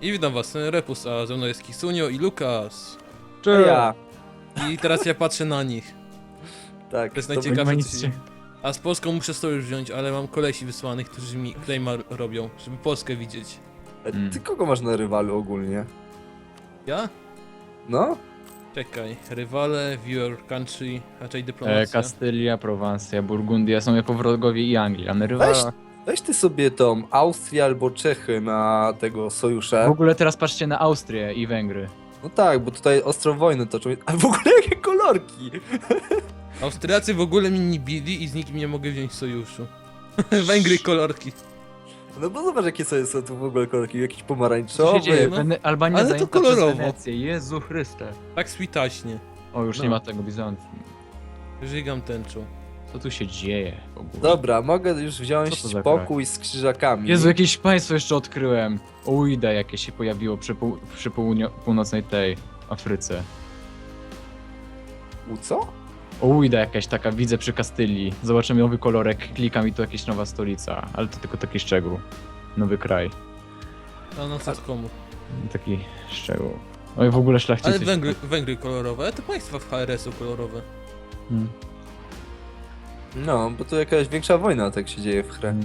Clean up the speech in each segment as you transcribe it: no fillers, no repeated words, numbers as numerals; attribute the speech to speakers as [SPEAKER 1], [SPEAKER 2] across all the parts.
[SPEAKER 1] I witam was, Repus, a ze mną jest Kisunio i Lukas.
[SPEAKER 2] Cześć. Ja.
[SPEAKER 1] I teraz ja patrzę na nich.
[SPEAKER 2] Tak.
[SPEAKER 1] To jest
[SPEAKER 2] to
[SPEAKER 1] najciekawsze,
[SPEAKER 2] będzie-
[SPEAKER 1] co się... A z Polską muszę sojusz wziąć, ale mam kolesi wysłanych, którzy mi claima robią, żeby Polskę widzieć.
[SPEAKER 2] Ty kogo masz na rywalu ogólnie?
[SPEAKER 1] Ja?
[SPEAKER 2] No?
[SPEAKER 1] Czekaj, rywale, viewer country, raczej dyplomacja.
[SPEAKER 3] Kastylia, Prowansja, Burgundia są jako wrogowie i Anglia. A na rywala...
[SPEAKER 2] Weź ty sobie tą Austrię albo Czechy na tego sojusza.
[SPEAKER 3] W ogóle teraz patrzcie na Austrię i Węgry.
[SPEAKER 2] No tak, bo tutaj ostro wojny toczą. A w ogóle jakie kolorki!
[SPEAKER 1] Austriacy w ogóle mnie nie bili i z nikim nie mogę wziąć sojuszu. Węgry kolorki.
[SPEAKER 2] No bo zobacz jakie są tu w ogóle kolorki. Jakiś
[SPEAKER 3] Co się
[SPEAKER 2] pomarańczowy.
[SPEAKER 3] dzieje?
[SPEAKER 1] no.
[SPEAKER 3] Albania
[SPEAKER 1] Ale to
[SPEAKER 3] zajęta przez
[SPEAKER 1] kolorowo.
[SPEAKER 3] Wenecję. Jezu Chryste.
[SPEAKER 1] Tak switaśnie.
[SPEAKER 3] O, już
[SPEAKER 2] No.
[SPEAKER 3] nie ma tego Bizancji.
[SPEAKER 1] Żygam tęczą.
[SPEAKER 3] Co tu się dzieje w ogóle?
[SPEAKER 2] Dobra, mogę już wziąć
[SPEAKER 3] Co to za
[SPEAKER 2] pokój z krzyżakami.
[SPEAKER 3] Jezu, jakieś państwo jeszcze odkryłem. Uida jakie się pojawiło przy północnej tej Afryce.
[SPEAKER 2] Co?
[SPEAKER 3] Uida jakaś taka, widzę przy Kastylii. Zobaczymy nowy kolorek, klikam i to jakaś nowa stolica. Ale to tylko taki szczegół. Nowy kraj.
[SPEAKER 1] A no co komu?
[SPEAKER 3] Taki szczegół. Oj, w ogóle szlachcicy.
[SPEAKER 1] Ale Węgry kolorowe, ale to państwa w HRS-u kolorowe.
[SPEAKER 3] Hmm.
[SPEAKER 2] No, bo tu jakaś większa wojna tak się dzieje w chrę.
[SPEAKER 3] Hmm.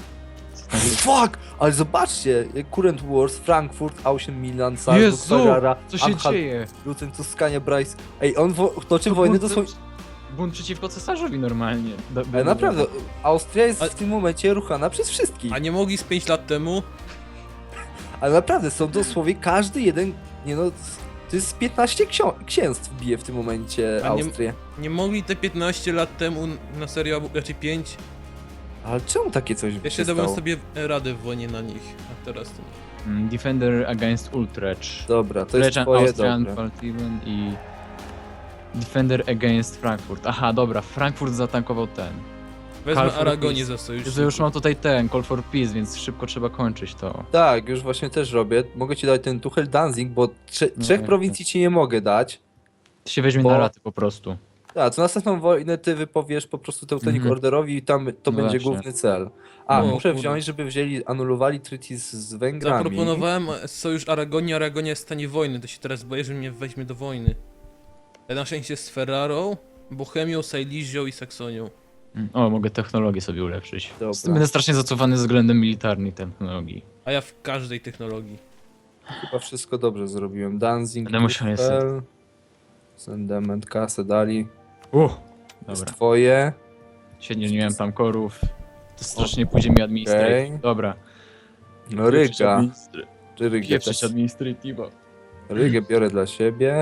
[SPEAKER 2] Fuck! Ale zobaczcie! Current Wars, Frankfurt, Auschen, Milan, Salzburg,
[SPEAKER 3] Jezu!
[SPEAKER 2] Ferrara,
[SPEAKER 3] Co się
[SPEAKER 2] Anhalt,
[SPEAKER 3] dzieje?
[SPEAKER 2] Lucen, Tuskania, Bryce. Ej, on toczy
[SPEAKER 3] To
[SPEAKER 2] wojny
[SPEAKER 3] bunt-
[SPEAKER 2] dosłownie.
[SPEAKER 3] Bunt przeciwko cesarzowi normalnie.
[SPEAKER 2] Ale naprawdę, Austria jest
[SPEAKER 1] Ale-
[SPEAKER 2] w tym momencie ruchana przez wszystkich.
[SPEAKER 1] A nie mogli z 5 lat temu?
[SPEAKER 2] Ale naprawdę, są dosłownie każdy jeden. Nie no, to jest 15 księstw bije w tym momencie
[SPEAKER 1] A nie-
[SPEAKER 2] Austrię.
[SPEAKER 1] Nie mogli te 15 lat temu na serio, albo raczej 5?
[SPEAKER 2] Ale czemu takie coś
[SPEAKER 1] Ja
[SPEAKER 2] się
[SPEAKER 1] się dałem
[SPEAKER 2] stało?
[SPEAKER 1] sobie radę w wojnie na nich, a teraz to nie.
[SPEAKER 3] Defender against Utrecht.
[SPEAKER 2] Dobra, to jest
[SPEAKER 3] Legend
[SPEAKER 2] twoje
[SPEAKER 3] Austrian
[SPEAKER 2] dobre.
[SPEAKER 3] Faltiven i Defender against Frankfurt. Aha, dobra, Frankfurt zatankował ten.
[SPEAKER 1] Wezmę
[SPEAKER 3] Call for
[SPEAKER 1] Aragonię
[SPEAKER 3] Peace.
[SPEAKER 1] za sojusz.
[SPEAKER 3] Jezu, już mam tutaj ten, Call for Peace, więc szybko trzeba kończyć to.
[SPEAKER 2] Tak, już właśnie też robię. Mogę ci dać ten Tuchel Danzig, bo
[SPEAKER 3] No
[SPEAKER 2] trzech
[SPEAKER 3] tak,
[SPEAKER 2] prowincji ci nie mogę dać.
[SPEAKER 3] To się weźmie
[SPEAKER 2] Bo-
[SPEAKER 3] na raty po prostu.
[SPEAKER 2] Tak, co następną wojnę ty wypowiesz po prostu Teutonik
[SPEAKER 3] Mhm.
[SPEAKER 2] Orderowi i tam to
[SPEAKER 3] No
[SPEAKER 2] będzie
[SPEAKER 3] właśnie.
[SPEAKER 2] główny cel. A,
[SPEAKER 1] No,
[SPEAKER 2] muszę
[SPEAKER 1] kurde.
[SPEAKER 2] wziąć, żeby anulowali treaty z Węgrami.
[SPEAKER 1] Zaproponowałem sojusz Aragonii, Aragonia jest w stanie wojny, to się teraz boję, że mnie weźmie do wojny. Ale na szczęście z Ferrarą, Bohemią, Silesią i Saksonią.
[SPEAKER 3] O, mogę technologię sobie ulepszyć.
[SPEAKER 2] Dobra.
[SPEAKER 3] Będę strasznie zacofany względem militarnej technologii.
[SPEAKER 1] A ja w każdej technologii.
[SPEAKER 2] Chyba wszystko dobrze zrobiłem. Danzig,
[SPEAKER 3] Będę musiał
[SPEAKER 2] Tuchel, Sendement, kasę dali. Jest
[SPEAKER 3] Dobra.
[SPEAKER 2] twoje.
[SPEAKER 3] Świetnie, że nie miałem tam korów. To strasznie pójdzie mi administrative.
[SPEAKER 2] Okej.
[SPEAKER 3] Dobra.
[SPEAKER 2] No Ryga. Czy Rygę
[SPEAKER 3] Pieprzyć
[SPEAKER 2] też?
[SPEAKER 3] administrativa.
[SPEAKER 2] Rygę biorę dla siebie.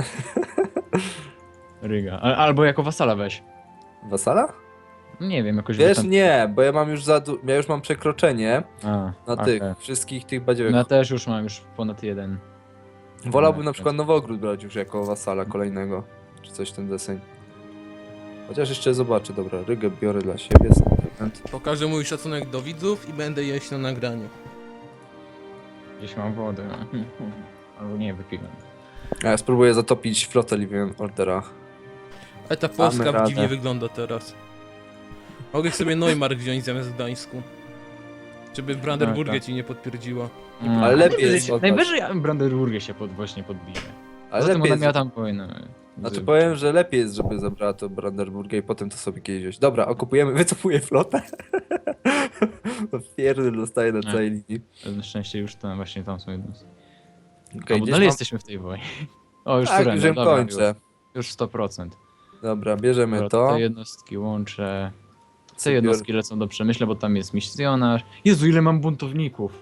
[SPEAKER 3] Ryga. Albo jako wasala weź.
[SPEAKER 2] Wasala?
[SPEAKER 3] Nie wiem, jakoś
[SPEAKER 2] Wiesz,
[SPEAKER 3] tam...
[SPEAKER 2] nie, bo ja mam już ja już mam przekroczenie
[SPEAKER 3] A,
[SPEAKER 2] na
[SPEAKER 3] okej.
[SPEAKER 2] tych, wszystkich tych badziewych.
[SPEAKER 3] No ja też już mam już ponad jeden.
[SPEAKER 2] Wolałbym
[SPEAKER 3] no,
[SPEAKER 2] na
[SPEAKER 3] tak.
[SPEAKER 2] przykład Nowogród brać już jako wasala kolejnego, czy coś w ten deseń. Chociaż jeszcze zobaczę, dobra, Rygę biorę dla siebie. Sentiment.
[SPEAKER 1] Pokażę mój szacunek do widzów i będę jeść na nagraniu.
[SPEAKER 3] Gdzieś mam wodę. Albo nie, wypiłem.
[SPEAKER 2] A ja spróbuję zatopić flotę Living Ordera.
[SPEAKER 1] Ale ta Polska
[SPEAKER 2] radę.
[SPEAKER 1] dziwnie wygląda teraz. Mogę sobie Neumark wziąć zamiast Gdańsku. Żeby Brandenburgę
[SPEAKER 3] Tak.
[SPEAKER 1] ci nie podpierdziła.
[SPEAKER 2] Ale lepiej
[SPEAKER 3] najwyżej-
[SPEAKER 2] jest od was.
[SPEAKER 3] Najwyżej ja Brandenburgę się właśnie podbiję.
[SPEAKER 2] Ale
[SPEAKER 3] Zatem
[SPEAKER 2] lepiej
[SPEAKER 3] ona miała
[SPEAKER 2] jest,
[SPEAKER 3] tam wojnę.
[SPEAKER 2] znaczy powiem, że lepiej jest, żeby zabrała to Brandenburgę i potem to sobie kiedyś wziąć. Dobra, okupujemy, wycofuję flotę. Pierdol dostaję na
[SPEAKER 3] Nie.
[SPEAKER 2] całej linii.
[SPEAKER 3] Na szczęście już tam właśnie tam są jednostki.
[SPEAKER 2] Okay,
[SPEAKER 3] Bo dalej jesteśmy w tej wojnie. O, już
[SPEAKER 2] Tak,
[SPEAKER 3] surrender,
[SPEAKER 2] już ją
[SPEAKER 3] dobra,
[SPEAKER 2] kończę.
[SPEAKER 3] Już 100%.
[SPEAKER 2] Dobra, bierzemy
[SPEAKER 3] Dobra,
[SPEAKER 2] to.
[SPEAKER 3] te jednostki łączę. Te
[SPEAKER 2] Sobie
[SPEAKER 3] jednostki lecą do Przemyśla, bo tam jest misjonarz. Jezu, ile mam buntowników!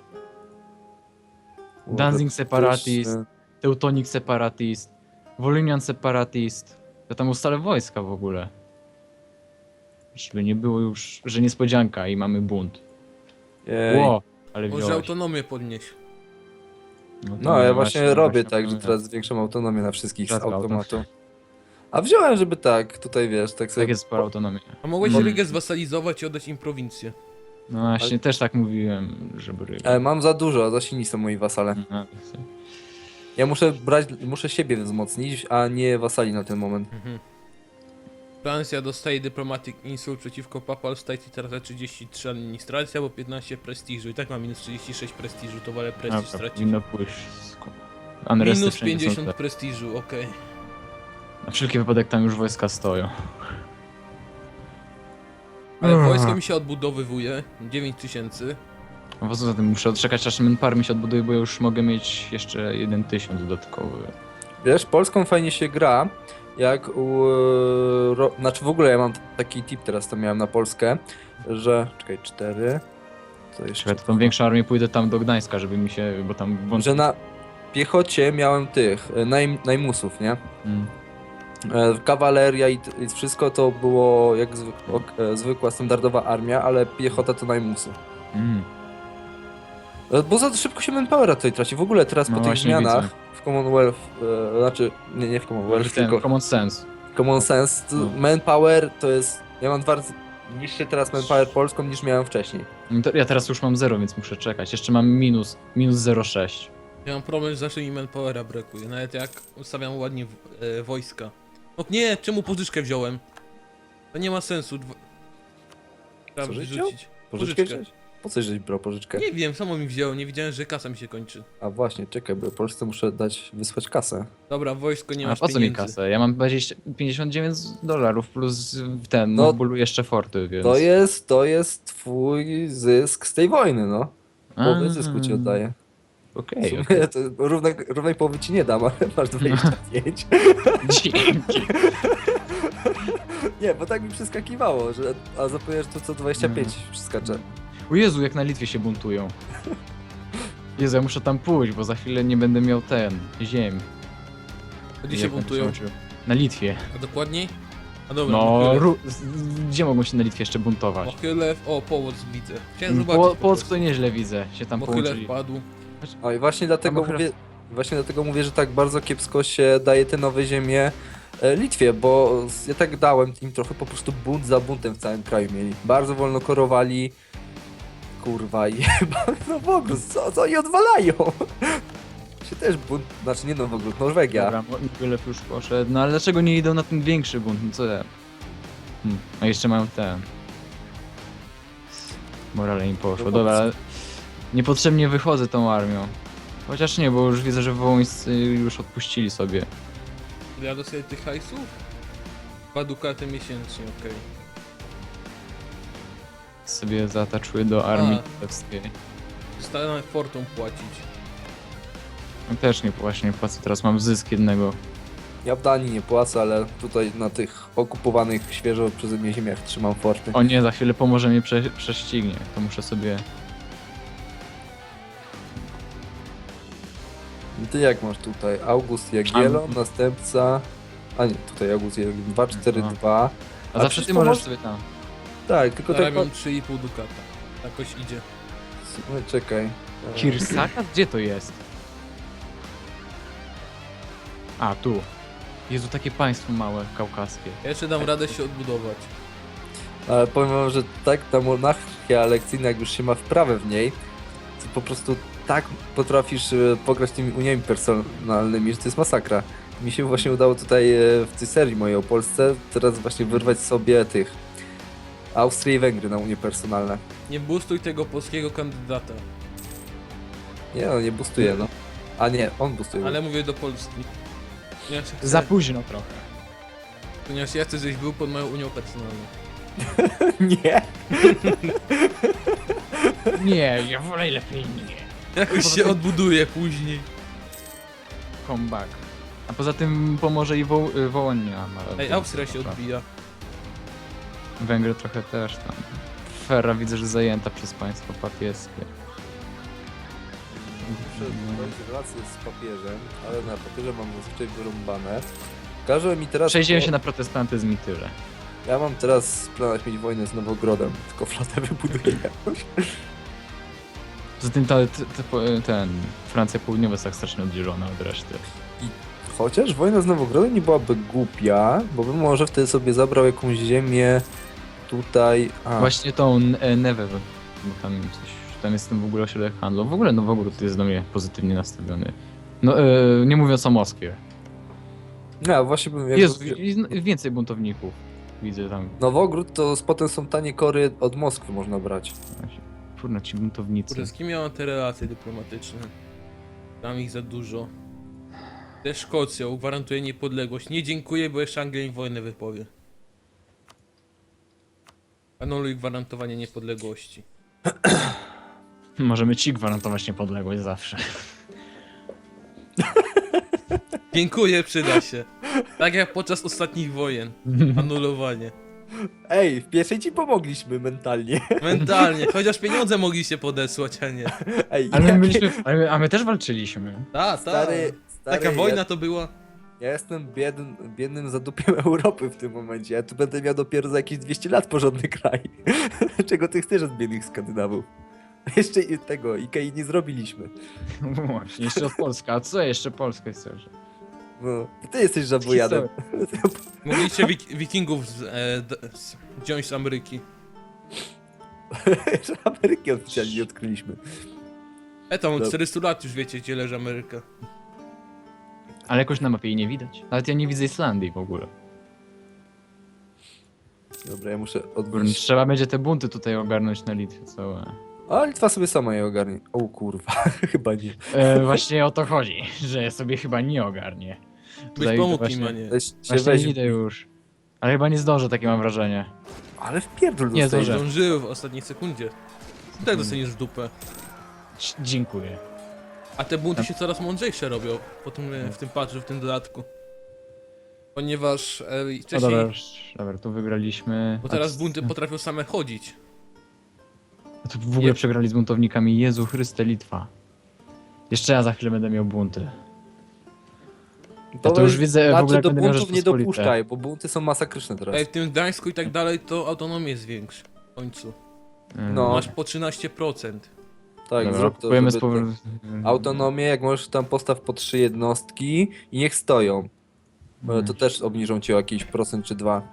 [SPEAKER 3] Danzig Separatist, Teutonic Separatist, Volhynian Separatist. Ja tam ustalę wojska w ogóle. Żeby nie było już, że niespodzianka i mamy bunt.
[SPEAKER 2] Jej.
[SPEAKER 3] Ło, ale
[SPEAKER 1] Może
[SPEAKER 3] wziąłeś.
[SPEAKER 1] autonomię podnieść.
[SPEAKER 3] to
[SPEAKER 2] No, ja właśnie robię tak, że
[SPEAKER 3] powinien.
[SPEAKER 2] teraz zwiększam autonomię na wszystkich z
[SPEAKER 3] Rzadko
[SPEAKER 2] automatu. A wziąłem, żeby tak, tutaj wiesz, tak sobie...
[SPEAKER 3] Tak jest spora autonomia.
[SPEAKER 1] A mogłeś
[SPEAKER 3] No.
[SPEAKER 1] Rygę zwasalizować i oddać im prowincję.
[SPEAKER 3] No właśnie, też tak mówiłem, żeby ryba.
[SPEAKER 2] Ale mam za dużo, za silni są moi wasale.
[SPEAKER 3] No,
[SPEAKER 2] Ja muszę siebie wzmocnić, a nie wasali na ten moment.
[SPEAKER 1] Mhm. Francja dostaje Diplomatic Insult przeciwko Papal State i teraz 33 administracja, bo 15 prestiżu. I tak ma minus 36 prestiżu, to wolę prestiż
[SPEAKER 3] Dobra,
[SPEAKER 1] stracić.
[SPEAKER 3] powinno pójść. Unresty
[SPEAKER 1] Minus
[SPEAKER 3] wszędzie są
[SPEAKER 1] 50
[SPEAKER 3] te.
[SPEAKER 1] prestiżu, okej.
[SPEAKER 3] Na wszelki wypadek tam już wojska stoją.
[SPEAKER 1] Ale wojsko mi się odbudowywuje, 9000.
[SPEAKER 3] A poza tym muszę odczekać aż Manpower mi się odbuduje, bo już mogę mieć jeszcze 1000 dodatkowy.
[SPEAKER 2] Wiesz, Polską fajnie się gra, jak znaczy w ogóle ja mam taki tip teraz, to miałem na Polskę, że... Czekaj, 4... Co jeszcze?
[SPEAKER 3] Czekaj, to tą większą armię pójdę tam do Gdańska, żeby mi się, bo tam włączy...
[SPEAKER 2] Że na piechocie miałem tych, najmusów, nie?
[SPEAKER 3] Mm.
[SPEAKER 2] Kawaleria i wszystko to było jak zwykła, standardowa armia, ale piechota to najmusy.
[SPEAKER 3] Mm.
[SPEAKER 2] Bo za szybko się manpowera tutaj traci. W ogóle teraz
[SPEAKER 3] No
[SPEAKER 2] po tych
[SPEAKER 3] właśnie
[SPEAKER 2] zmianach
[SPEAKER 3] widzę.
[SPEAKER 2] w Commonwealth, znaczy nie w Commonwealth,
[SPEAKER 3] Ten
[SPEAKER 2] tylko
[SPEAKER 3] common sense.
[SPEAKER 2] Common Sense, to
[SPEAKER 3] No.
[SPEAKER 2] manpower to jest... Ja mam 2 razy niższy teraz manpower polską niż miałem wcześniej.
[SPEAKER 3] No to ja teraz już mam 0, więc muszę czekać. Jeszcze mam minus 0,6.
[SPEAKER 1] Ja mam problem, że zawsze mi manpowera brakuje, nawet jak ustawiam ładnie wojska. No nie, czemu pożyczkę wziąłem? To nie ma sensu. Trzeba
[SPEAKER 2] Co żeś
[SPEAKER 1] wyrzucić.
[SPEAKER 2] Pożyczkę wziąć? Po co żeś brał pożyczkę?
[SPEAKER 1] Nie wiem, samo mi wzięło, nie widziałem, że kasa mi się kończy.
[SPEAKER 2] A właśnie, czekaj, bo Polsce muszę wysłać kasę.
[SPEAKER 1] Dobra, wojsko nie
[SPEAKER 3] A
[SPEAKER 1] masz
[SPEAKER 3] po co mi
[SPEAKER 1] pieniędzy.
[SPEAKER 3] kasę? Ja mam $59 plus ten,
[SPEAKER 2] No,
[SPEAKER 3] no w bólu jeszcze forty, więc...
[SPEAKER 2] To jest twój zysk z tej wojny, no. Połowę zysku ci oddaję.
[SPEAKER 3] Okej,
[SPEAKER 2] W sumie
[SPEAKER 3] okej.
[SPEAKER 2] to równej połowy ci nie dam, ale masz 25.
[SPEAKER 3] Dzięki.
[SPEAKER 2] Nie, bo tak mi przeskakiwało, że... A zapomniałeś to co 25 przeskacze.
[SPEAKER 3] O Jezu, jak na Litwie się buntują. Jezu, ja muszę tam pójść, bo za chwilę nie będę miał ziemi.
[SPEAKER 1] Gdzie się
[SPEAKER 3] Jak będę
[SPEAKER 1] buntują?
[SPEAKER 3] uczył. Na Litwie.
[SPEAKER 1] A dokładniej? A dobra,
[SPEAKER 3] No,
[SPEAKER 1] Mochylew.
[SPEAKER 3] gdzie mogą się na Litwie jeszcze buntować?
[SPEAKER 1] Mochylew, o, Połock widzę. Chciałem zobaczyć.
[SPEAKER 3] Polsk to nieźle widzę, się tam
[SPEAKER 1] Mochylew
[SPEAKER 3] połączyli.
[SPEAKER 1] padł.
[SPEAKER 2] No i właśnie dlatego
[SPEAKER 3] Mochylew-
[SPEAKER 2] mówię... Właśnie dlatego mówię, że tak bardzo kiepsko się daje te nowe ziemie Litwie, bo ja tak dałem im trochę po prostu bunt za buntem w całym kraju mieli. Bardzo wolno korowali. Kurwa, jeba, no w ogóle, co oni odwalają? Się też bunt, znaczy nie no w ogóle, Norwegia.
[SPEAKER 3] Dobra, Mochylew już poszedł, no ale dlaczego nie idą na ten większy bunt? No co ja? A jeszcze mają ten. Morale im poszło,
[SPEAKER 2] No
[SPEAKER 3] dobra,
[SPEAKER 2] dobrze.
[SPEAKER 3] ale niepotrzebnie wychodzę tą armią. Chociaż nie, bo już widzę, że wołońscy już odpuścili sobie.
[SPEAKER 1] Ja dostaję tych hajsów? 2 dukaty miesięcznie, okej.
[SPEAKER 3] Sobie zaataczuję do armii
[SPEAKER 1] A.
[SPEAKER 3] królewskiej.
[SPEAKER 1] Zostanę fortą płacić.
[SPEAKER 3] No też nie właśnie płacę, teraz mam zysk jednego.
[SPEAKER 2] Ja w Danii nie płacę, ale tutaj na tych okupowanych świeżo przeze mnie ziemiach trzymam forty.
[SPEAKER 3] O nie, za chwilę pomoże mnie prześcignie, to muszę sobie...
[SPEAKER 2] I ty jak masz tutaj? August Jagiellon, następca... A nie, tutaj August Jagiellon, 242.
[SPEAKER 3] A zawsze
[SPEAKER 2] przecież
[SPEAKER 3] ty
[SPEAKER 2] to
[SPEAKER 3] możesz
[SPEAKER 2] może-
[SPEAKER 3] sobie tam.
[SPEAKER 2] Tak, tylko tak...
[SPEAKER 1] Zarabiam 3,5 dukata. Jakoś idzie.
[SPEAKER 2] No, czekaj.
[SPEAKER 3] Kirsaka? Gdzie to jest? A, tu. Jezu, takie państwo małe, kaukaskie.
[SPEAKER 1] Ja jeszcze dam radę się odbudować.
[SPEAKER 2] Ale powiem wam, że tak ta monarchia lekcyjna, jak już się ma wprawę w niej, to po prostu tak potrafisz pograć tymi uniami personalnymi, że to jest masakra. Mi się właśnie udało tutaj w tej serii mojej o Polsce teraz właśnie wyrwać sobie tych Austrię i Węgry na unie personalne.
[SPEAKER 1] Nie boostuj tego polskiego kandydata.
[SPEAKER 2] Nie no, nie boostuje, no. A nie, on boostuje.
[SPEAKER 1] Ale mówię do Polski. Ponieważ ja chcę,
[SPEAKER 3] Za późno trochę.
[SPEAKER 1] ponieważ ja chcę, żebyś był pod moją unią personalną.
[SPEAKER 2] Nie!
[SPEAKER 3] Nie, ja wolę lepiej nie.
[SPEAKER 1] Jakoś się odbuduje później.
[SPEAKER 3] Comeback. A poza tym pomoże i Wołonia.
[SPEAKER 1] Ej, Austria się odbija.
[SPEAKER 3] Węgry trochę też tam. Ferra widzę, że zajęta przez państwo papieskie.
[SPEAKER 2] Muszę prowadzić relacje z papieżem, ale na papierze mam zazwyczaj wyrąbane. Każe mi teraz...
[SPEAKER 3] Przejdziemy się na protestantyzm i tyle.
[SPEAKER 2] Ja mam teraz w planach mieć wojnę z Nowogrodem, tylko flotę wybuduję jakąś.
[SPEAKER 3] Poza tym ten Francja Południowa jest tak strasznie oddzielona od reszty.
[SPEAKER 2] Chociaż wojna z Nowogrodem nie byłaby głupia, bo bym może wtedy sobie zabrał jakąś ziemię tutaj...
[SPEAKER 3] Właśnie tą Newę, bo tam jest ten w ogóle ośrodek handlu. W ogóle Nowogród jest do mnie pozytywnie nastawiony. No, nie mówiąc o Moskwie.
[SPEAKER 2] No, właśnie bym... jakby-
[SPEAKER 3] Jezu, więcej buntowników. widzę tam.
[SPEAKER 2] Nowogród to potem są tanie kory od Moskwy można brać.
[SPEAKER 3] Kurna, ci buntownicy.
[SPEAKER 1] Kurde, z kim ja mam te relacje dyplomatyczne? Tam ich za dużo. Ze Szkocją gwarantuje niepodległość. Nie dziękuję, bo jeszcze Anglia im wojnę wypowie. Anuluj gwarantowanie niepodległości.
[SPEAKER 3] Możemy ci gwarantować niepodległość zawsze.
[SPEAKER 1] Dziękuję, przyda się. Tak jak podczas ostatnich wojen. Anulowanie.
[SPEAKER 2] Ej, w pierwszej ci pomogliśmy mentalnie.
[SPEAKER 1] Mentalnie, chociaż pieniądze mogliście podesłać, a nie.
[SPEAKER 2] Ej,
[SPEAKER 3] Ale my
[SPEAKER 2] ja-
[SPEAKER 3] byliśmy, a my też walczyliśmy.
[SPEAKER 1] Ta.
[SPEAKER 2] Stary,
[SPEAKER 1] Taka wojna to była.
[SPEAKER 2] Ja jestem biednym zadupiem Europy w tym momencie. Ja tu będę miał dopiero za jakieś 200 lat porządny kraj. Czego ty chcesz od biednych Skandynawów? Jeszcze i tego Ikei nie zrobiliśmy.
[SPEAKER 3] Właśnie, jeszcze od Polska. A co jeszcze Polskę chcesz?
[SPEAKER 2] No, ty jesteś żabojadem.
[SPEAKER 1] Mogliście wikingów wziąć z Ameryki.
[SPEAKER 2] Że Ameryki oficjalnie nie odkryliśmy.
[SPEAKER 1] Tam od
[SPEAKER 2] Dob-
[SPEAKER 1] 400 lat już wiecie, gdzie leży Ameryka.
[SPEAKER 3] Ale jakoś na mapie jej nie widać. Nawet ja nie widzę Islandii w ogóle.
[SPEAKER 2] Dobra, ja muszę
[SPEAKER 3] Kurna,
[SPEAKER 2] odwrócić.
[SPEAKER 3] trzeba będzie te bunty tutaj ogarnąć na Litwie całe.
[SPEAKER 2] A Litwa sobie sama je ogarnie. O kurwa, chyba nie.
[SPEAKER 3] Właśnie o to chodzi, że ja sobie chyba nie ogarnię.
[SPEAKER 1] Byś pomógł
[SPEAKER 3] właśnie-
[SPEAKER 1] im, a nie.
[SPEAKER 2] Weź się
[SPEAKER 3] Właśnie
[SPEAKER 2] weź.
[SPEAKER 3] idę już. Ale chyba nie zdążę, takie mam wrażenie.
[SPEAKER 2] Ale wpierdol
[SPEAKER 3] Nie,
[SPEAKER 2] dostajesz.
[SPEAKER 3] zdążę.
[SPEAKER 1] Zdążyły w ostatniej sekundzie. Tak dostaniesz w dupę.
[SPEAKER 3] Dziękuję.
[SPEAKER 1] A te bunty się coraz mądrzejsze robią w tym patchu, w tym dodatku. Ponieważ
[SPEAKER 3] No
[SPEAKER 1] wcześniej,
[SPEAKER 3] dobra, już, dobra, tu wygraliśmy.
[SPEAKER 1] bo teraz bunty potrafią same chodzić.
[SPEAKER 3] A tu w ogóle przegrali z buntownikami. Jezu Chryste, Litwa. Jeszcze ja za chwilę będę miał bunty. Ja to już widzę w ogóle,
[SPEAKER 2] Znaczy
[SPEAKER 3] jak
[SPEAKER 2] do
[SPEAKER 3] będę miał
[SPEAKER 2] buntów nie
[SPEAKER 3] Rzeczpospolite.
[SPEAKER 2] dopuszczaj, bo bunty są masakryczne teraz.
[SPEAKER 1] W tym Gdańsku i tak dalej to autonomię zwiększ w końcu.
[SPEAKER 2] No.
[SPEAKER 1] Masz po 13%.
[SPEAKER 2] Tak,
[SPEAKER 3] Dobra,
[SPEAKER 2] zrób to,
[SPEAKER 3] kupujemy
[SPEAKER 2] żeby
[SPEAKER 3] z powrotem.
[SPEAKER 2] autonomię, jak możesz tam postaw po 3 jednostki i niech stoją. Bo to też obniżą ci o jakiś procent czy 2.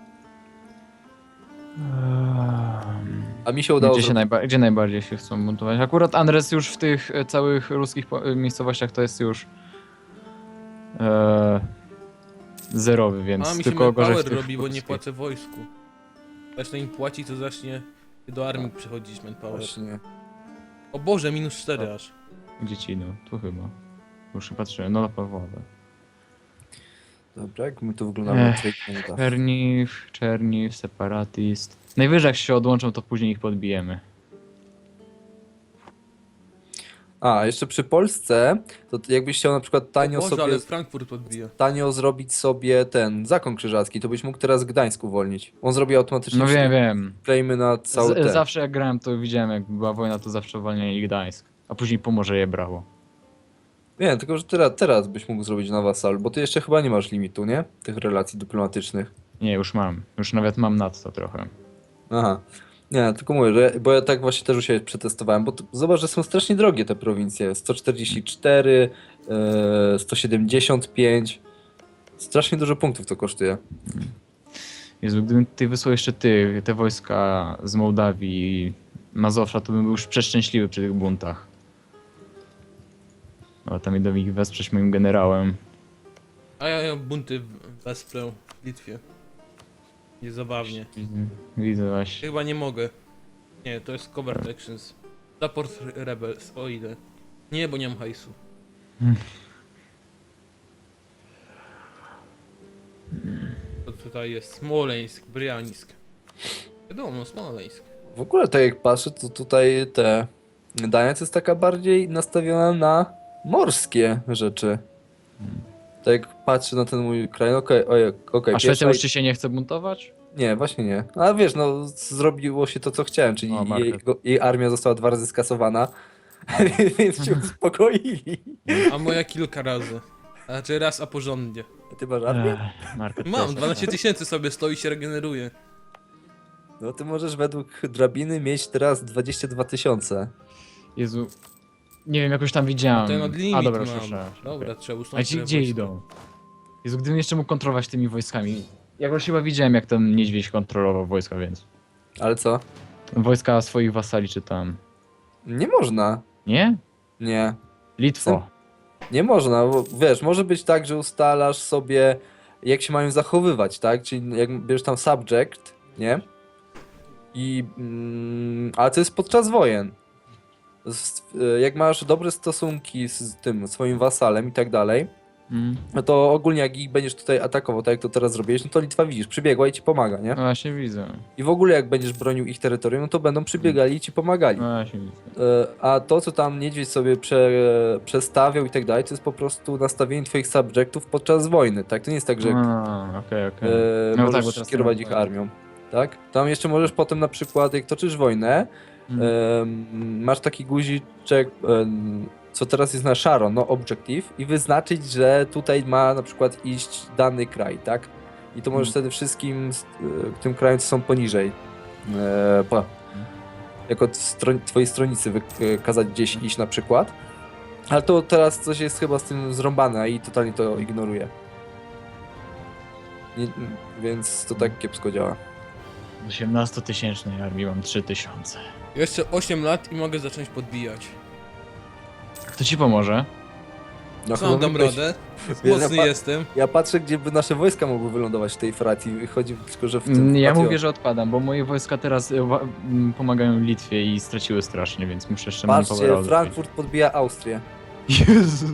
[SPEAKER 2] A mi się udało
[SPEAKER 3] Gdzie najbardziej się chcą buntować? Akurat Andres już w tych całych ruskich miejscowościach to jest już zerowy, więc
[SPEAKER 1] A mi się
[SPEAKER 3] tylko gorzej w
[SPEAKER 1] manpower
[SPEAKER 3] tych
[SPEAKER 1] robi, bo nie
[SPEAKER 3] ruskich.
[SPEAKER 1] płacę wojsku. Zacznę im płacić, to zacznie do armii przychodzić manpower.
[SPEAKER 2] Właśnie.
[SPEAKER 1] O Boże, minus 4 aż.
[SPEAKER 3] Gdzie ci idą? Tu chyba. Już patrzyłem, no na Pawłowe.
[SPEAKER 2] Dobra, jak my tu wyglądamy na twoich punktach.
[SPEAKER 3] Czerniw, Separatist. Najwyżej jak się odłączą, to później ich podbijemy.
[SPEAKER 2] A, jeszcze przy Polsce, to jakbyś chciał na przykład
[SPEAKER 1] O Boże,
[SPEAKER 2] sobie,
[SPEAKER 1] ale Frankfurt odbija.
[SPEAKER 2] tanio zrobić sobie ten zakon krzyżacki, to byś mógł teraz Gdańsk uwolnić. On zrobi automatycznie
[SPEAKER 3] No wiem.
[SPEAKER 2] claimy na cały ten.
[SPEAKER 3] Zawsze jak grałem, to widziałem, jak była wojna, to zawsze uwalniali Gdańsk. A później Pomorze je brało.
[SPEAKER 2] Nie, tylko że teraz byś mógł zrobić na wasal, bo ty jeszcze chyba nie masz limitu, nie? Tych relacji dyplomatycznych.
[SPEAKER 3] Nie, już mam. Już nawet mam nadto trochę.
[SPEAKER 2] Aha. Nie, tylko mówię, że, bo ja tak właśnie też u siebie przetestowałem, bo zobacz, że są strasznie drogie te prowincje. 144, 175. Strasznie dużo punktów to kosztuje.
[SPEAKER 3] Jezu, gdybym ty wysłał jeszcze te wojska z Mołdawii i Mazowsza, to bym był już przeszczęśliwy przy tych buntach. No, tam idę ich wesprzeć moim generałem.
[SPEAKER 1] A ja bunty wesprę w Litwie. Niezabawnie.
[SPEAKER 3] Widzę właśnie.
[SPEAKER 1] Chyba nie mogę. Nie, to jest covert actions. Support rebels, o ile. Nie, bo nie mam hajsu. To tutaj jest Smoleńsk, Brianisk. Wiadomo, no Smoleńsk.
[SPEAKER 2] W ogóle tak jak patrzę, to tutaj Gdańsk jest taka bardziej nastawiona na morskie rzeczy. Tak jak patrzę na ten mój kraj, okej,
[SPEAKER 3] A Szwecja już ci się nie chce buntować?
[SPEAKER 2] Nie, właśnie nie. A wiesz, no zrobiło się to, co chciałem, czyli
[SPEAKER 3] O, market.
[SPEAKER 2] jej armia została 2 razy skasowana, więc się uspokoili.
[SPEAKER 1] A moja kilka razy. Znaczy raz, a porządnie.
[SPEAKER 2] A ty masz armię?
[SPEAKER 3] Market
[SPEAKER 1] Mam,
[SPEAKER 3] place.
[SPEAKER 1] 12 tysięcy sobie stoi i się regeneruje.
[SPEAKER 2] No ty możesz według drabiny mieć teraz 22 000.
[SPEAKER 3] Jezu. Nie wiem, jakoś tam widziałem.
[SPEAKER 1] Ten od limit
[SPEAKER 3] A dobra,
[SPEAKER 1] mam.
[SPEAKER 3] słyszę.
[SPEAKER 1] Dobra, trzeba
[SPEAKER 3] A
[SPEAKER 1] usunąć
[SPEAKER 3] ci
[SPEAKER 1] te
[SPEAKER 3] gdzie
[SPEAKER 1] wojska.
[SPEAKER 3] idą? Jezu, gdybym jeszcze mógł kontrolować tymi wojskami. Jakoś chyba widziałem, jak ten niedźwiedź kontrolował wojska, więc...
[SPEAKER 2] Ale co?
[SPEAKER 3] Wojska swoich wasali czy tam...
[SPEAKER 2] Nie można.
[SPEAKER 3] Nie?
[SPEAKER 2] Nie.
[SPEAKER 3] Litwo.
[SPEAKER 2] Nie można, bo wiesz, może być tak, że ustalasz sobie jak się mają zachowywać, tak? Czyli jak bierzesz tam subject, nie? Ale to jest podczas wojen. Jak masz dobre stosunki z tym swoim wasalem i tak dalej, no to ogólnie jak ich będziesz tutaj atakował, tak jak to teraz zrobiłeś, no to Litwa widzisz, przybiegła i ci pomaga, nie?
[SPEAKER 3] No właśnie widzę.
[SPEAKER 2] I w ogóle jak będziesz bronił ich terytorium, no to będą przybiegali i ci pomagali.
[SPEAKER 3] No właśnie widzę.
[SPEAKER 2] A to, co tam niedźwiedź sobie przestawiał i tak dalej, to jest po prostu nastawienie twoich subjectów podczas wojny, tak? To nie jest tak, że
[SPEAKER 3] Okej. No tak, bo
[SPEAKER 2] możesz
[SPEAKER 3] teraz
[SPEAKER 2] kierować
[SPEAKER 3] nie
[SPEAKER 2] ich
[SPEAKER 3] ma-
[SPEAKER 2] armią, tak? Tam jeszcze możesz potem na przykład, jak toczysz wojnę, masz taki guziczek, co teraz jest na szaro, no objective, i wyznaczyć, że tutaj ma na przykład iść dany kraj, tak? I to możesz wtedy wszystkim tym krajom, co są poniżej, jako twojej stronicy kazać gdzieś iść na przykład. Ale to teraz coś jest chyba z tym zrąbane i totalnie to ignoruje. Więc to tak kiepsko działa.
[SPEAKER 3] W 18-tysięcznej armii mam 3000.
[SPEAKER 1] Jeszcze 8 lat i mogę zacząć podbijać.
[SPEAKER 3] Kto ci pomoże?
[SPEAKER 2] No,
[SPEAKER 1] Sam dam
[SPEAKER 2] mógłbyś-
[SPEAKER 1] radę.
[SPEAKER 2] Wiesz,
[SPEAKER 1] Mocny jestem.
[SPEAKER 2] Ja patrzę, gdzie by nasze wojska mogły wylądować w tej fracji. Chodzi tylko, że w tym.
[SPEAKER 3] Ja
[SPEAKER 2] patio-
[SPEAKER 3] mówię, że odpadam, bo moje wojska teraz pomagają Litwie i straciły strasznie, więc muszę jeszcze manpowera
[SPEAKER 2] Patrzcie,
[SPEAKER 3] odrobić.
[SPEAKER 2] Frankfurt podbija Austrię.
[SPEAKER 3] Jezu!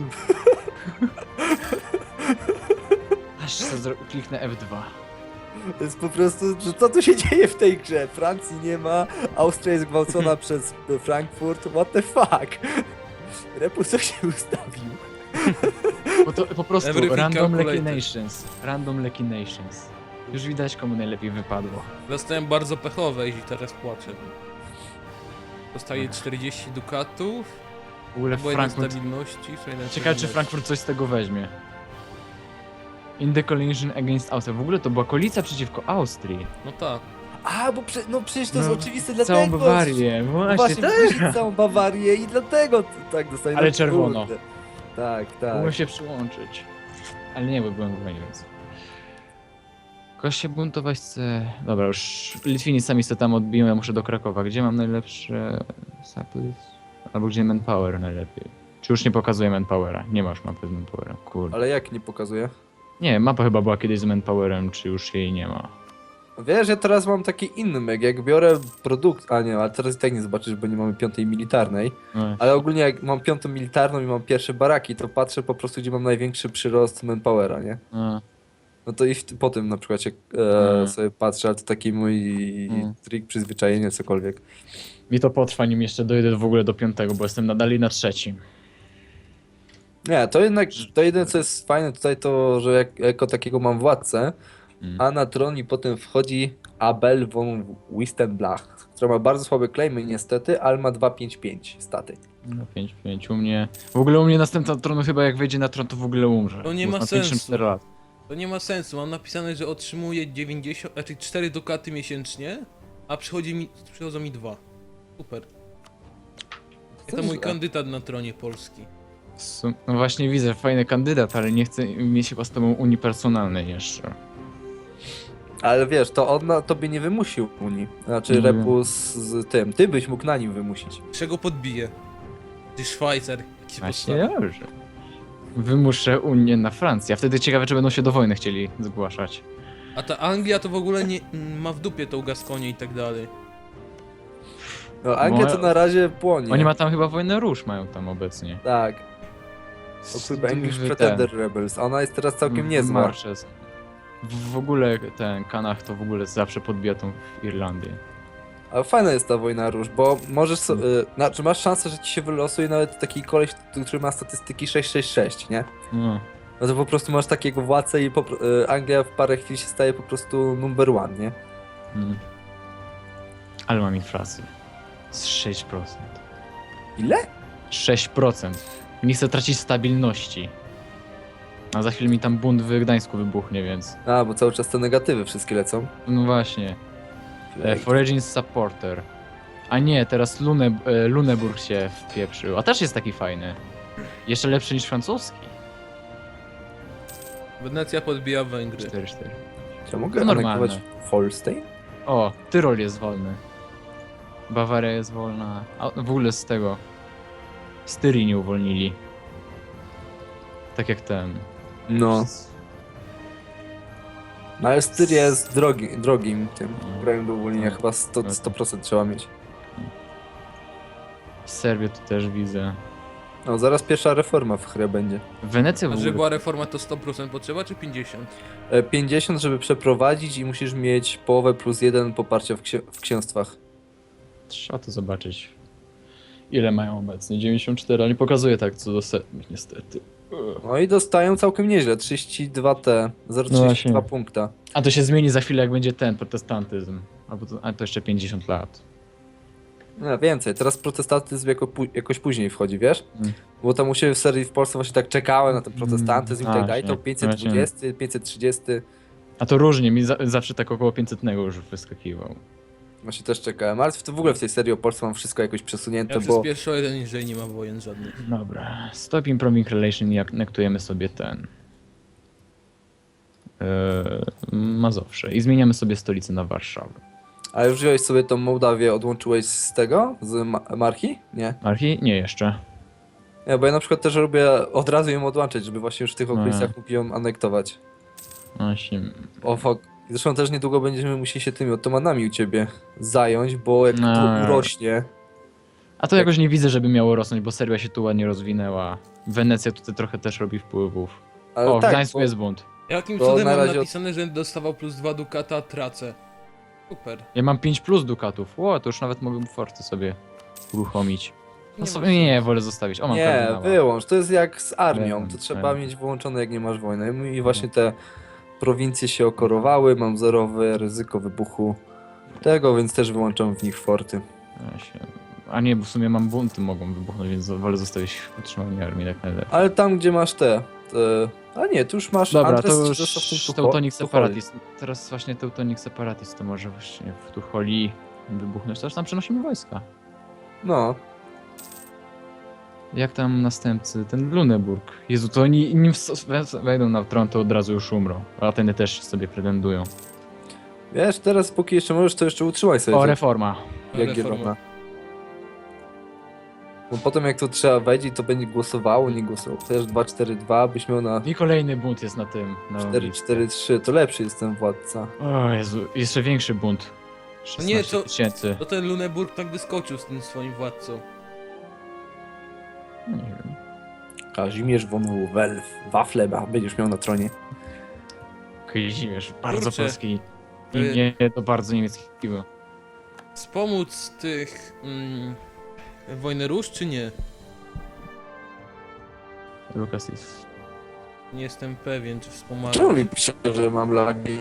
[SPEAKER 3] Aż sobie kliknę F2.
[SPEAKER 2] To jest po prostu, że co tu się dzieje w tej grze? Francji nie ma, Austria jest gwałcona przez Frankfurt. What the fuck? Repu co się ustawił?
[SPEAKER 3] Bo to po prostu
[SPEAKER 1] Everything
[SPEAKER 3] random
[SPEAKER 1] calculated.
[SPEAKER 3] Lucky Nations. Random Lucky Nations. Już widać, komu najlepiej wypadło.
[SPEAKER 1] Dostałem bardzo pechowe i teraz płaczę. Dostaję 40 dukatów.
[SPEAKER 3] W ogóle
[SPEAKER 1] Bo
[SPEAKER 3] Frankfurt...
[SPEAKER 1] stabilności.
[SPEAKER 3] Ciekawe, czy Frankfurt coś z tego weźmie. In the coalition against Austria. W ogóle to była koalicja przeciwko Austrii.
[SPEAKER 1] No tak.
[SPEAKER 2] A, bo no przecież to jest
[SPEAKER 3] No,
[SPEAKER 2] oczywiste, dlatego.
[SPEAKER 3] Całą Bawarię.
[SPEAKER 2] No
[SPEAKER 3] Właśnie,
[SPEAKER 2] właśnie,
[SPEAKER 3] tak.
[SPEAKER 2] też całą Bawarię i dlatego tak dostaję.
[SPEAKER 3] Ale
[SPEAKER 2] no
[SPEAKER 3] czerwono.
[SPEAKER 2] kurde. Tak, tak.
[SPEAKER 3] Mogłem się przyłączyć. Ale nie, bo byłem w wojnie, więc... Kogoś się buntować chce... Dobra, już Litwini sami sobie tam odbiją, ja muszę do Krakowa. Gdzie mam najlepsze... Saplis? Albo gdzie manpower najlepiej? Czy już nie pokazuje manpowera? Nie masz mapy z manpowerem, kurde.
[SPEAKER 2] Ale jak nie pokazuje?
[SPEAKER 3] Nie, mapa chyba była kiedyś z manpowerem, czy już jej nie ma?
[SPEAKER 2] Wiesz, ja teraz mam taki inny meg, jak biorę produkt, a nie, ale teraz i tak nie zobaczysz, bo nie mamy piątej militarnej,
[SPEAKER 3] No,
[SPEAKER 2] ale ogólnie jak mam piątą militarną i mam pierwsze baraki, to patrzę po prostu, gdzie mam największy przyrost manpowera, nie?
[SPEAKER 3] no.
[SPEAKER 2] No to i po tym na przykład się sobie patrzę, ale to taki mój trik, przyzwyczajenie, cokolwiek.
[SPEAKER 3] Mi to potrwa, nim jeszcze dojdę w ogóle do 5, bo jestem nadal na 3.
[SPEAKER 2] Nie, to jednak, to jedyne co jest fajne tutaj to, że jako takiego mam władcę, a na tron mi potem wchodzi Abel von Wistenblach, która ma bardzo słabe claimy niestety, ale ma 255 staty.
[SPEAKER 3] No 5 u mnie... W ogóle u mnie następna tronu chyba jak wejdzie na tron, to w ogóle umrze.
[SPEAKER 1] To nie
[SPEAKER 3] bo
[SPEAKER 1] ma
[SPEAKER 3] ma
[SPEAKER 1] sensu.
[SPEAKER 3] 54 lat.
[SPEAKER 1] To nie ma sensu. Mam napisane, że otrzymuję 90, znaczy 4 dukaty miesięcznie, a przychodzą mi 2. Super. To mój kandydat na tronie Polski.
[SPEAKER 3] No właśnie widzę, fajny kandydat, ale nie chcę mieć chyba z tobą unipersonalnej jeszcze.
[SPEAKER 2] Ale wiesz, to on na tobie nie wymusił Unii. Znaczy
[SPEAKER 3] Nie
[SPEAKER 2] Repu z tym. Ty byś mógł na nim wymusić.
[SPEAKER 1] Czego podbiję? Ty Szwajcar. Jak się
[SPEAKER 3] Właśnie
[SPEAKER 1] postawi.
[SPEAKER 3] dobrze. Wymuszę Unię na Francję, a wtedy ciekawe, czy będą się do wojny chcieli zgłaszać.
[SPEAKER 1] A ta Anglia to w ogóle nie ma w dupie tą Gaskonię i tak dalej.
[SPEAKER 2] No Anglia to na razie płonie.
[SPEAKER 3] Oni ma tam chyba wojnę róż mają tam obecnie.
[SPEAKER 2] Tak. O kurwa, English
[SPEAKER 3] Ten-
[SPEAKER 2] Pretender Rebels. A ona jest teraz całkiem niezła.
[SPEAKER 3] Marches. W ogóle ten Kanach to w ogóle zawsze podbija tą Irlandię.
[SPEAKER 2] Ale fajna jest ta wojna róż, bo możesz znaczy masz szansę, że ci się wylosuje nawet taki koleś, który ma statystyki 666, nie?
[SPEAKER 3] No.
[SPEAKER 2] No to po prostu masz takiego władcę i Anglia w parę chwil się staje po prostu number one, nie?
[SPEAKER 3] Ale mam inflację. Z 6%.
[SPEAKER 2] Ile?
[SPEAKER 3] 6%. Nie chcę tracić stabilności. A za chwilę mi tam bunt w Gdańsku wybuchnie, więc...
[SPEAKER 2] A, bo cały czas te negatywy wszystkie lecą.
[SPEAKER 3] No właśnie. Foraging Supporter. A nie, teraz Luneburg się wpieprzył. A też jest taki fajny. Jeszcze lepszy niż francuski.
[SPEAKER 1] Wenecja podbija Węgry.
[SPEAKER 3] 4-4.
[SPEAKER 2] Czy ja mogę
[SPEAKER 3] To normalne.
[SPEAKER 2] anektować Holstein?
[SPEAKER 3] O, Tyrol jest wolny. Bawaria jest wolna. A w ogóle z tego... Styrii nie uwolnili. Tak jak ten...
[SPEAKER 2] No. No ale styl jest drogim tym krajem do uwolnienia, chyba 100% trzeba mieć.
[SPEAKER 3] Serbię tu też widzę.
[SPEAKER 2] No zaraz pierwsza reforma w grze będzie.
[SPEAKER 3] Wenecja w
[SPEAKER 1] A żeby
[SPEAKER 3] ogóle...
[SPEAKER 1] była reforma to 100% potrzeba, czy 50?
[SPEAKER 2] 50, żeby przeprowadzić i musisz mieć połowę plus 1 poparcia w księstwach.
[SPEAKER 3] Trzeba to zobaczyć. Ile mają obecnie? 94, ale nie pokazuje tak co do setnych niestety.
[SPEAKER 2] No i dostają całkiem nieźle, 32T,
[SPEAKER 3] No
[SPEAKER 2] 0,32
[SPEAKER 3] właśnie.
[SPEAKER 2] punkta.
[SPEAKER 3] A to się zmieni za chwilę jak będzie ten protestantyzm. A to jeszcze 50 lat.
[SPEAKER 2] No więcej, teraz protestantyzm jakoś później wchodzi, wiesz?
[SPEAKER 3] Mm.
[SPEAKER 2] Bo tam u siebie w serii w Polsce właśnie tak czekałem na ten protestantyzm i tak dalej, to
[SPEAKER 3] Właśnie,
[SPEAKER 2] 520, 530,
[SPEAKER 3] A to różnie, mi zawsze tak około 500 już wyskakiwał.
[SPEAKER 2] właśnie też czekałem, ale w ogóle w tej serii o Polsce mam wszystko jakoś przesunięte,
[SPEAKER 1] Ja
[SPEAKER 2] bo...
[SPEAKER 1] przez pierwszy o jeden niżej nie ma wojen żadnych.
[SPEAKER 3] Dobra, stop improving relation i anektujemy sobie ten. Mazowsze. I zmieniamy sobie stolicę na Warszawę.
[SPEAKER 2] A już wziąłeś sobie tą Mołdawię, odłączyłeś z tego? Z marki? Nie.
[SPEAKER 3] Marki? Nie jeszcze.
[SPEAKER 2] Nie, bo ja na przykład też robię, od razu ją odłączyć, żeby właśnie już w tych
[SPEAKER 3] No.
[SPEAKER 2] okolicach mógł ją anektować.
[SPEAKER 3] Właśnie.
[SPEAKER 2] O fuck. Zresztą też niedługo będziemy musieli się tymi otomanami u ciebie zająć, bo jak
[SPEAKER 3] No.
[SPEAKER 2] to urośnie...
[SPEAKER 3] A to jakoś nie widzę, żeby miało rosnąć, bo Serbia się tu ładnie rozwinęła. Wenecja tutaj trochę też robi wpływów.
[SPEAKER 2] Ale
[SPEAKER 3] O, w
[SPEAKER 2] tak,
[SPEAKER 3] Gdańsku
[SPEAKER 2] bo-
[SPEAKER 3] jest bunt.
[SPEAKER 1] Jakim
[SPEAKER 2] To
[SPEAKER 1] cudem
[SPEAKER 2] na
[SPEAKER 1] mam
[SPEAKER 2] razie od-
[SPEAKER 1] napisane, że dostawał plus 2 dukata, a tracę? Super.
[SPEAKER 3] Ja mam 5 plus dukatów. O, to już nawet mogę forty sobie uruchomić. No
[SPEAKER 1] Nie
[SPEAKER 3] sobie
[SPEAKER 1] ma
[SPEAKER 3] nie, wolę zostawić. O, mam
[SPEAKER 2] Nie,
[SPEAKER 3] kardynała.
[SPEAKER 2] wyłącz. To jest jak z armią.
[SPEAKER 3] Wyłącz,
[SPEAKER 2] To trzeba
[SPEAKER 3] wyłącz.
[SPEAKER 2] mieć wyłączone, jak nie masz wojny. I właśnie te prowincje się okorowały, mam zerowe ryzyko wybuchu tego, więc też wyłączam w nich forty.
[SPEAKER 3] Właśnie. A nie, bo w sumie mam bunty mogą wybuchnąć, więc wolę zostawić utrzymanie armii tak najlepiej.
[SPEAKER 2] Ale tam, gdzie masz te... A nie, tu już masz...
[SPEAKER 3] Dobra,
[SPEAKER 2] Andres
[SPEAKER 3] to
[SPEAKER 2] ci
[SPEAKER 3] już
[SPEAKER 2] został w tym
[SPEAKER 3] Teutonic
[SPEAKER 2] Tucholi.
[SPEAKER 3] Separatist. Teraz właśnie Teutonic Separatist to może właśnie w Tucholi wybuchnąć. Też tam przenosimy wojska.
[SPEAKER 2] No.
[SPEAKER 3] Jak tam następcy? Ten Luneburg. Jezu, to oni nim wejdą na tron, to od razu już umrą. A Ateny też sobie pretendują.
[SPEAKER 2] Wiesz, teraz póki jeszcze możesz, to jeszcze utrzymaj sobie
[SPEAKER 3] O,
[SPEAKER 2] te
[SPEAKER 3] reforma.
[SPEAKER 2] Jagiellona. Bo potem jak to trzeba wejdzie, to będzie głosowało, nie głosowało. Też 2-4-2 byś miał na
[SPEAKER 3] I kolejny bunt jest na tym. Na
[SPEAKER 2] 4-4-3, to lepszy jest ten władca.
[SPEAKER 3] O Jezu, jeszcze większy bunt.
[SPEAKER 1] No nie,
[SPEAKER 3] 16 tysięcy.
[SPEAKER 1] To ten Luneburg tak wyskoczył z tym swoim władcą.
[SPEAKER 3] Nie wiem.
[SPEAKER 2] Kazimierz von Wafle będziesz miał na tronie.
[SPEAKER 3] Kazimierz, bardzo
[SPEAKER 1] Kurczę.
[SPEAKER 3] polski.
[SPEAKER 1] Y-
[SPEAKER 3] I nie, to bardzo niemieckiego.
[SPEAKER 1] Wspomóc tych... wojny róż, czy nie?
[SPEAKER 3] Lukas jest...
[SPEAKER 1] Nie jestem pewien, czy wspomagam.
[SPEAKER 2] Czemu mi pisze, że mam lagi?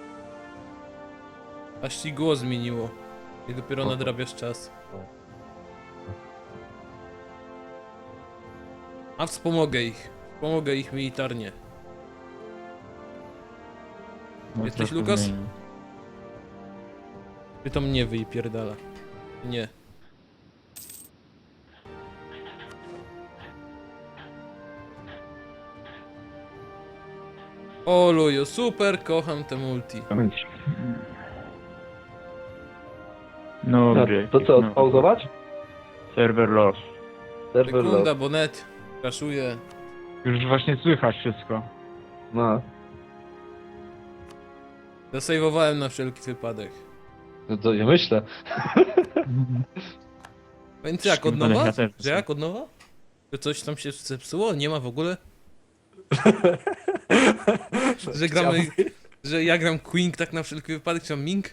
[SPEAKER 1] Aż ci głos zmieniło. I dopiero nadrabiasz czas. A wspomogę ich. Wspomogę ich militarnie.
[SPEAKER 3] No,
[SPEAKER 1] Jesteś,
[SPEAKER 3] trochę
[SPEAKER 1] Lukas?
[SPEAKER 3] zmienił.
[SPEAKER 1] Ty to mnie wypierdala. Nie. O luju, super, kocham te multi.
[SPEAKER 3] No,
[SPEAKER 2] To co, odpauzować?
[SPEAKER 3] Server loss.
[SPEAKER 2] Serwer
[SPEAKER 1] Sekunda,
[SPEAKER 2] lock.
[SPEAKER 1] bo net kraszuje.
[SPEAKER 3] Już właśnie słychać wszystko.
[SPEAKER 2] No.
[SPEAKER 1] Zasejwowałem na wszelki wypadek.
[SPEAKER 2] No to ja myślę.
[SPEAKER 1] Więc jak, od
[SPEAKER 3] Szkoda,
[SPEAKER 1] nowa?
[SPEAKER 3] ja też
[SPEAKER 1] Że jak, od nowa? Że coś tam się zepsuło? Nie ma w ogóle? Że gramy... Że ja gram Queen tak na wszelki wypadek, czy mam Ming?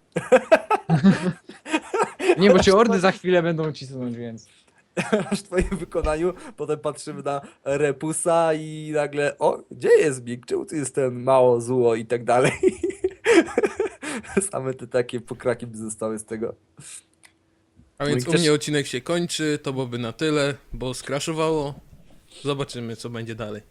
[SPEAKER 3] Nie, bo cię ordy za chwilę będą cisnąć, więc...
[SPEAKER 2] W twoim wykonaniu, potem patrzymy na Repusa i nagle, o, gdzie jest Big? Czemu tu jest ten mało zło i tak dalej? Same te takie pokraki by zostały z tego.
[SPEAKER 1] A więc
[SPEAKER 2] No i
[SPEAKER 1] u
[SPEAKER 2] też-
[SPEAKER 1] mnie odcinek się kończy, to byłoby na tyle, bo skraszowało. Zobaczymy, co będzie dalej.